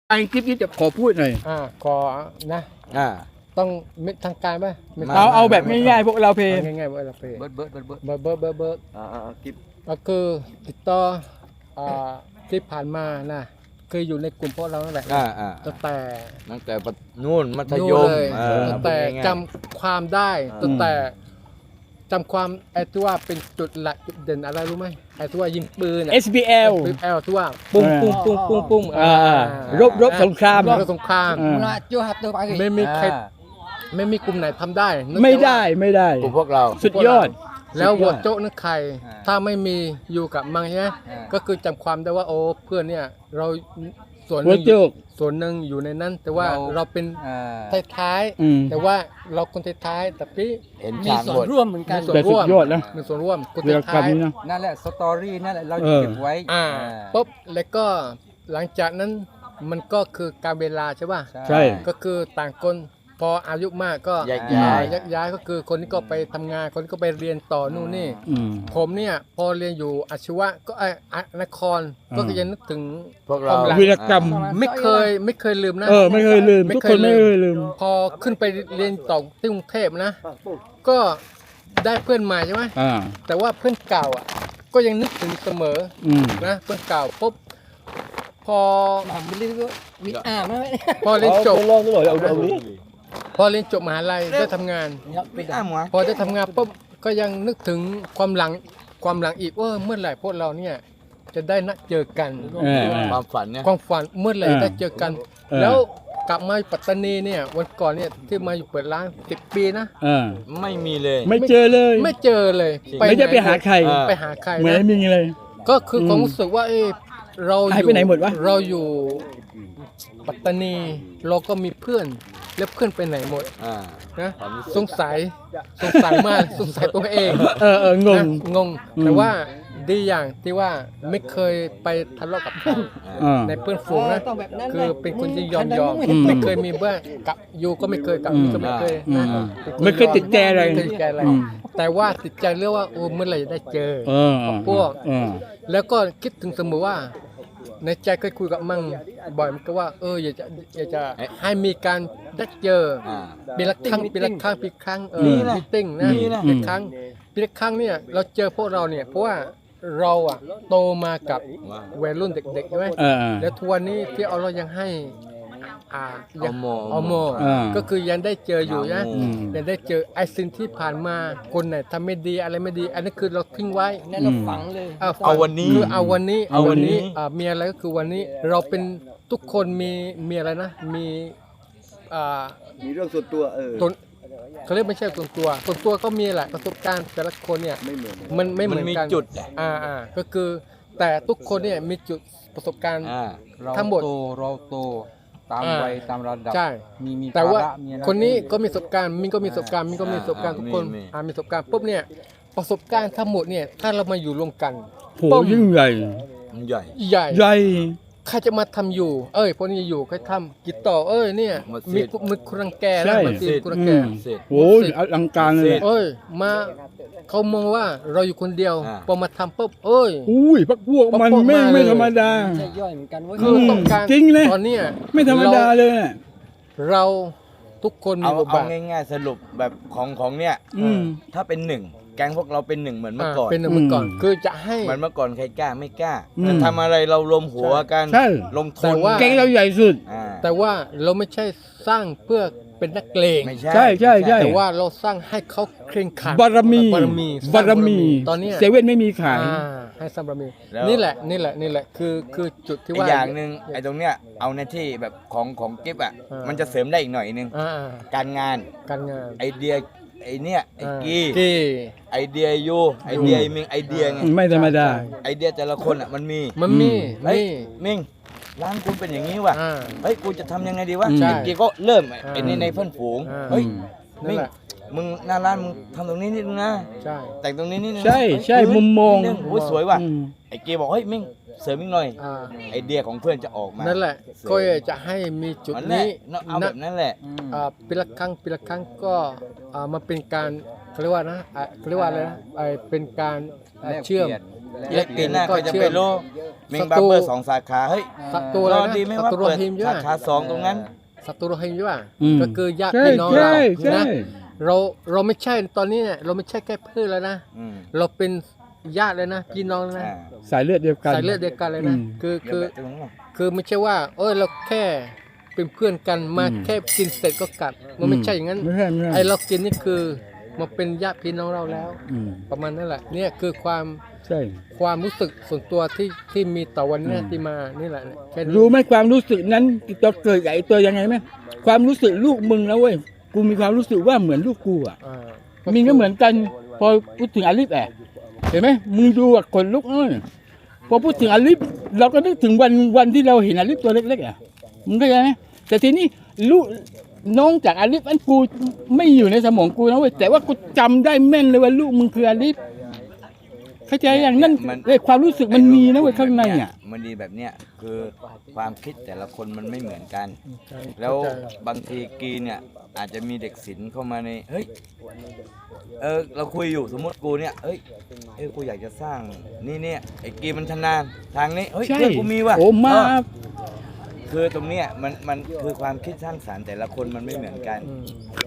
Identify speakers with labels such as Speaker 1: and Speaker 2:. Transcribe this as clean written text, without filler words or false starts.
Speaker 1: ไอ้คลิปนี้จะขอพูดหน่อย
Speaker 2: ขอนะ
Speaker 3: อ่า
Speaker 2: ต้องมิดทางการไหมไม่
Speaker 3: มา
Speaker 1: เอาแบบง่ายๆพวกเราเพลง
Speaker 2: ง่ายๆว่าเราเพ
Speaker 3: เบิร์ดเบิร์ดเบิร์ดเบิร์ด
Speaker 2: เบิร์ด
Speaker 3: กิ๊บ
Speaker 2: ก็คือติดต่อที่ผ่านมานะคืออยู่ในกลุ่มพวกเรานั่นแหละ ตั้งแต่
Speaker 3: ตั้งแต่นู่นมัธย
Speaker 2: นู่น
Speaker 3: ม
Speaker 2: เลย ตั้งแต่
Speaker 3: พูดง่ายๆ
Speaker 2: จำความได้ตั้งแต่จำความไอ้ที่ว่าเป็นจุดหลักจุดเด่นอะไรรู้ไหมไอ้ที่ว่ายิงปืน
Speaker 1: SBL
Speaker 2: ที่ว่าปุ้งปุ้งปุ้งปุ้งปุ้ง
Speaker 1: รบสงคราม
Speaker 2: รบสงคราม ไม่มีใครไม่มีกลุ่มไหนทำได้นึก
Speaker 1: ไม่
Speaker 2: แต่ว่า
Speaker 1: ได้
Speaker 3: กลุ่มพวกเรา
Speaker 1: สุดยอด
Speaker 2: แล้วหัวโจ๊กนึกใคร
Speaker 3: อ่า
Speaker 2: ถ้าไม่มีอยู่กับมังใช่ไหม
Speaker 3: อ่า
Speaker 2: ก็คือจำความได้ว่าโอ้เพื่อนเนี่ยเราส่วนห
Speaker 1: หัว
Speaker 2: นึ่ง
Speaker 1: โจก
Speaker 2: ส่วนหนึ่งอยู่ในนั้น แต่ว่า
Speaker 3: เรา
Speaker 2: เราเป็นท้าย
Speaker 1: อืม
Speaker 2: ๆแต่ว่าเราคนท้ายๆแต่พี่
Speaker 3: เห็น
Speaker 4: มี
Speaker 3: ฉาก
Speaker 4: ส่ว
Speaker 3: บ
Speaker 4: น
Speaker 3: ท
Speaker 4: ร่วมเหมือนกัน
Speaker 2: มีส่วน
Speaker 1: แต่สุดยอดนะ
Speaker 2: มีส่วนร่วมคน
Speaker 1: เวลากรร
Speaker 2: ท้าม ย
Speaker 1: นี้นะ
Speaker 4: นั่นแหละสตอรี่นั่นแหละเรา
Speaker 1: เออ
Speaker 4: เก็บไว้
Speaker 2: ๆปุ๊บแล้วก็หลังจากนั้นมันก็คือการเวลาใช่ป่ะ
Speaker 1: ใช่
Speaker 2: ก็คือต่างคนพออายุมากก็
Speaker 3: แยกย้าย
Speaker 2: แยกย้ายก็คือคนนี้ก็ไปทำงานคนนี้ก็ไปเรียนต่อนู่นนี่
Speaker 1: อืม
Speaker 2: ผมเนี่ยพอเรียนอยู่อาชีวะก็นครก็ยังนึกถึง
Speaker 3: พวกเรา
Speaker 2: ความหลัง
Speaker 1: วีรกรรม
Speaker 2: ไม่เคยลืมนะ
Speaker 1: ไม่เคยลืม
Speaker 2: ไม่
Speaker 1: ทุก
Speaker 2: เค
Speaker 1: ค
Speaker 2: ย
Speaker 1: นไม่
Speaker 2: ลืม
Speaker 1: เคยลืม
Speaker 2: พอขึ้นไปเรียนต่อที่กรุงเทพนะ ก็ได้เพื่อนใหม่ใช่ไหม แต่ว่าเพื่อนเก่าอ่ะก็ยังนึกถึงเสมอ
Speaker 1: อืม
Speaker 2: นะเพื่อนเก่าปุ๊บพอ
Speaker 4: ไม่ได้ก็มีไหม
Speaker 2: พอเรียนจบ
Speaker 1: ลองตลอดเอาดิ
Speaker 2: พอเรียนจบมหาลัยได้ทำงาน
Speaker 3: ไม่อ้ามวะ
Speaker 2: พอได้ทำงานปุ๊บก็ยังนึกถึงความหลังอีกว่าเมื่อไหร่พวกเราเนี่ยจะได้นัดเจอกัน
Speaker 3: ความฝันเนี่ย
Speaker 2: ความฝันเมื่อไหร่ได้เจอกัน แล้วกลับมาปัตตานีเนี่ยวันก่อนเนี่ยที่มาอยู่เปิดร้าน10 ปีนะ
Speaker 3: ไม่มีเลย
Speaker 1: ไม่เจอเลย
Speaker 2: ไม่เจอเลย
Speaker 1: ไม่ได้ไปหาใคร
Speaker 2: ไปหาใคร
Speaker 1: เหมือน
Speaker 2: นะ
Speaker 1: ไม่มีเลย
Speaker 2: ก็คือความรู้สึกว่าเรา
Speaker 1: หายไปไหนหมดวะ
Speaker 2: เราอยู่ปัตตานีเราก็มีเพื่อนแล้วเพื่อนไปไหนหมด
Speaker 3: อ่า
Speaker 2: นะ
Speaker 3: ความรู้สึก
Speaker 2: สงสัยมากสงสัยตัวเอง
Speaker 1: งง
Speaker 2: นะงง แต่ว่าดีอย่างที่ว่าไม่เคยไปทะเลาะกับใคร ในเพื่อนฝูงนะ
Speaker 4: ต้องแบบนั้น
Speaker 2: คือเป็นคนที่ยอม
Speaker 1: อืม
Speaker 2: ไม่เคยมีเบื่อกับอยู่ก็ไม่เคยกับนี่ก็ไม่เคยนะ
Speaker 1: อืม
Speaker 2: เป็นคน
Speaker 1: ไม่เคยติดใจอะไร
Speaker 2: ม่เคยติดใจอะไร
Speaker 1: อืม
Speaker 2: แต่ว่าติดใจเรื่องว่าโอ้เมื่อไหร่จะได้เจอ พวก แล้วก็คิดถึงเสมอว่า ในใจเคยคุยกับมั่งบ่อยมันก็ว่าอยากจะให้มีการได้เจอ
Speaker 3: อ่า
Speaker 2: ปีละครั้งปีละครั้ง
Speaker 3: นี่
Speaker 2: มี
Speaker 3: นะ
Speaker 2: ติ้งนะ
Speaker 3: นี่นะ
Speaker 2: ปีละครั้งเนี่ยเราเจอพวกเราเนี่ยเพราะว่าเราอะโตมากับวัยรุ่นเด็กๆใช่ไหมแล้วทุกวันนี้ที่เรายังให้ยัง
Speaker 3: เอาโม
Speaker 2: ก็คือยังได้เจออยู่นะ
Speaker 3: อืม
Speaker 2: ยังได้เจอไอ้สิ่งที่ผ่านมาคนไหนทำไม่ดีอะไรไม่ดี อันนี้คือเราทิ้งไว้
Speaker 4: นั่นเราฝังเลย
Speaker 3: เอาวันนี้
Speaker 2: คือเอาวันนี้
Speaker 3: เอาวันนี้
Speaker 2: มีอะไรก็คือวันนี้เราเป็นทุกคนมีอะไรนะมี
Speaker 5: มีเรื่องส่วนตัว
Speaker 2: ตนเขาเรียกไม่ใช่ส่วนตัวก็มีแหละประสบการณ์แต่ละคนเนี่ย
Speaker 5: ไม่เหมือน
Speaker 2: มันไม่เห
Speaker 3: มั
Speaker 2: มื
Speaker 3: น
Speaker 2: อน
Speaker 3: มี
Speaker 2: กัน
Speaker 3: จุด
Speaker 2: ก็คือแต่ทุกคนเนี่ยมีจุดประสบการณ์
Speaker 4: เรา
Speaker 2: ทั้งหมด
Speaker 4: เราโตตามวัยตามระดับ
Speaker 2: ใช่
Speaker 4: มี
Speaker 2: แต่ว่า
Speaker 4: ภระมีอะไร
Speaker 2: คนนี้ก็มีประสบการณ์มินก็มีประสบการณ์มินก็มีประสบการณ์ทุกคน
Speaker 3: มี
Speaker 2: มีประสบการณ์ปุ๊บเนี่ยประสบการณ์ทั้งหมดเนี่ยถ้าเรามาอยู่รวมกัน
Speaker 1: โหยิ่งใหญ่
Speaker 3: มันใหญ่
Speaker 2: ใหญ่
Speaker 1: ใหญ่
Speaker 2: ใครจะมาทำอยู่ พวกนี้อยู่ใครทำกิจต่อเนี่ย
Speaker 3: หมดสิ
Speaker 2: มี
Speaker 3: ทธิ์
Speaker 2: มือคนรังแก
Speaker 1: ใช่
Speaker 2: นะมาตีคนรังแก
Speaker 3: เสร็จ
Speaker 1: โหอลังการเลย
Speaker 2: มาเขามองว่าเราอยู่คนเดียว
Speaker 3: อ่า
Speaker 2: พอมาทำปุ๊บ
Speaker 1: อุ้ยพักพวกมัน
Speaker 2: พวกมาเลย
Speaker 1: ไม่ธรรมดา
Speaker 4: ไม่ใช่ย่อยเหมือนกันเว้ย
Speaker 2: คือต้องการ
Speaker 1: จริงเลย
Speaker 2: ตอนเนี้ย
Speaker 1: ไม่ธรรมดาเลยอะ
Speaker 2: เราทุกคนมี
Speaker 3: เอา
Speaker 2: บท
Speaker 3: เอา
Speaker 2: บาท
Speaker 3: ง่ายๆสรุปแบบของเนี่ย
Speaker 1: อืม
Speaker 3: ถ้าเป็นหนึ่งแก๊งพวกเราเป็นหนึ่งเหมือนเมื่อก่อน
Speaker 2: เป็นเมื่อก่อน
Speaker 1: อืม
Speaker 2: คือจะให้
Speaker 3: เหมือนเมื่อก่อนใครกล้าไม่กล้า
Speaker 1: อืม
Speaker 3: จะทำอะไรเรารวมหัวกัน
Speaker 1: ใช่
Speaker 3: ลงทุ
Speaker 2: แต่
Speaker 3: น
Speaker 2: ว่า
Speaker 1: แก๊งเราใหญ่สุด
Speaker 3: อ่า
Speaker 2: แต่ว่าเราไม่ใช่สร้างเพื่อเป็นนักเลง
Speaker 3: ไม่
Speaker 1: ใช่ใช่ใช่
Speaker 2: แต่ว่าเราสร้างให้เขาเคร่งขรัด
Speaker 1: บารมี
Speaker 2: บารมี
Speaker 1: บารมี
Speaker 2: ตอนเนี้ย
Speaker 1: เซเว่นไม่มีขาย
Speaker 2: ให้สร้างบารมีนี่แหละคือจุดที่
Speaker 3: อี
Speaker 2: ว่าก
Speaker 3: อย่างหนึ่งไอ้ตรงเนี้ยเอาในที่แบบของกิฟอ่ะ มันจะเสริมได้อีกหน่อยนึง
Speaker 2: อ่า
Speaker 3: การงาน
Speaker 2: การงาน
Speaker 3: ไอเดียไอเนี่ยไอกี
Speaker 2: กี
Speaker 3: ไอเดียยูไอเดียไอมิงไอเดียไง
Speaker 1: ไม่ธรรมดา
Speaker 3: ไอเดียแต่ละคนอ่ะมันมี
Speaker 2: มันมี
Speaker 3: เฮ้ย
Speaker 2: มี
Speaker 3: มิงร้านคุณเป็นอย่างนี้ว่ะ
Speaker 2: อ่า
Speaker 3: เฮ้ยกูจะทำยังไงดีวะ
Speaker 1: ใช่
Speaker 3: ไอกีก็เริ่ม
Speaker 2: อ่า
Speaker 3: ไอนี่ในเพื่อนฝูง
Speaker 2: อ่า
Speaker 3: เฮ้ย
Speaker 2: นั่
Speaker 3: มิ
Speaker 2: น
Speaker 3: ง
Speaker 2: แหละ
Speaker 3: มึงหน้าร้านมึงทำตรงนี้นิดนึงนะ
Speaker 2: ใช่
Speaker 3: แต่งตรงนี้นิดนึงนะ
Speaker 1: ใช่
Speaker 3: เฮ้ย
Speaker 1: ใช่
Speaker 3: พื้น
Speaker 1: มุมมอง
Speaker 3: นิดนึโอ้ยสวยว่ะ
Speaker 1: อืม
Speaker 3: ไอกีบอกเฮ้ยมิงเสริมอีกหน่อย
Speaker 2: อ่า
Speaker 3: ไอเดียของเพื่อนจะออกมา
Speaker 2: นั่นแหละ
Speaker 3: สวย
Speaker 2: ก็จะให้มีจุด
Speaker 3: นั่นแหละ
Speaker 2: นี้
Speaker 3: เอาแบบนั้นแหละ
Speaker 2: ปีละครั้งก็มันเป็นการเขาเรียกว่านะเขาเรียกว่าอะไรนะเป็นการเชื่อม
Speaker 3: และปีหน้าก็จะไปรู้เมงบาร์เบอร์2 สาขาเฮ้ย
Speaker 2: ศัตรู
Speaker 3: ร
Speaker 2: อะไร
Speaker 3: อ
Speaker 2: นะ
Speaker 3: ดีไหม่
Speaker 2: ศั
Speaker 3: ว่า
Speaker 2: ตรูโร
Speaker 3: เปิด
Speaker 2: ฮิงญา
Speaker 3: สาขา2ตรงนั้น
Speaker 2: ศัตรูโรฮิงญา
Speaker 1: อืม
Speaker 2: ก็คือญาติ
Speaker 1: ใช่
Speaker 2: พี่น้อง
Speaker 1: ใช่
Speaker 2: เรา
Speaker 1: ใช่
Speaker 2: นะเราไม่ใช่ตอนนี้เนี่ยเราไม่ใช่แค่เพื่อนแล้วนะ
Speaker 3: อืม
Speaker 2: เราเป็นญาติเลยนะพี่น้องเลยนะ
Speaker 3: อ่า
Speaker 1: สายเลือดเดียวกัน
Speaker 2: สายเลือดเดียวกันเลยนะ
Speaker 1: อืม
Speaker 2: คือ
Speaker 3: เดี๋ยวแบบตรงนั้น
Speaker 2: คือไม่ใช่ว่าเราแค่เป็นเพื่อนกันมา
Speaker 1: อืม
Speaker 2: แค่กินเสร็จก็กลับมันไม่ใช่อย่างนั้น
Speaker 1: ไม่ใช่ไม่ใช่
Speaker 2: ไอเรากินนี่คือมาเป็นญาติพี่น้องเราแล้ว
Speaker 1: อืม
Speaker 2: ประมาณนั้นแหละเนี่ยคือความ
Speaker 1: ใช่
Speaker 2: ความรู้สึกส่วนตัวที่มีต่อวันเนี้ย
Speaker 1: อืม
Speaker 2: ที่มานี่แหละแค่นี้
Speaker 1: รู้ไหมความรู้สึกนั้นจะเกิดกับไอ้ตัวยังไงไหมความรู้สึกลูกมึงนะเว้ยกูมีความรู้สึกว่าเหมือนลูกกูอ่ะ
Speaker 2: อ่า
Speaker 1: มีก็เหมือนกัน พอพูดถึงอาลิฟเห็นไหมมึงดูอ่ะขนลุกเลยพอพูดถึงอาลิฟเราก็นึกถึงวันที่เราเห็นอาลิฟตัวเล็กๆอ่ะมึงเข้าใจไหมแต่ทีนี้ลูกน้องจากอาลิฟอันกูไม่อยู่ในสมองกูนะเว้ยแต่ว่ากูจำได้แม่นเลยว่าลูกมึงคืออาลิฟเข้าใจอย่างนั้นเลยความรู้สึกมันมีนะเว้ยข้างในอ่ะ
Speaker 3: มันดีแบบเนี้ยคือความคิดแต่ละคนมันไม่เหมือนกัน แล้วบางทีกีเนี่ยอาจจะมีเด็กศิลป์เข้ามาในเฮ้ยเราคุยอยู่สมมติกูเนี่ยกูอยากจะสร้างนี่เนี่ยไอ้กีมันชำนาญทางนี้เฮ้ย
Speaker 1: ใช่
Speaker 3: เพื่อนกูมีว่ะ
Speaker 1: โอ้มา
Speaker 3: คือตรงเนี้ยมันคือความคิดสร้างสรรค์แต่ละคนมันไม่เหมือนกัน
Speaker 2: อืม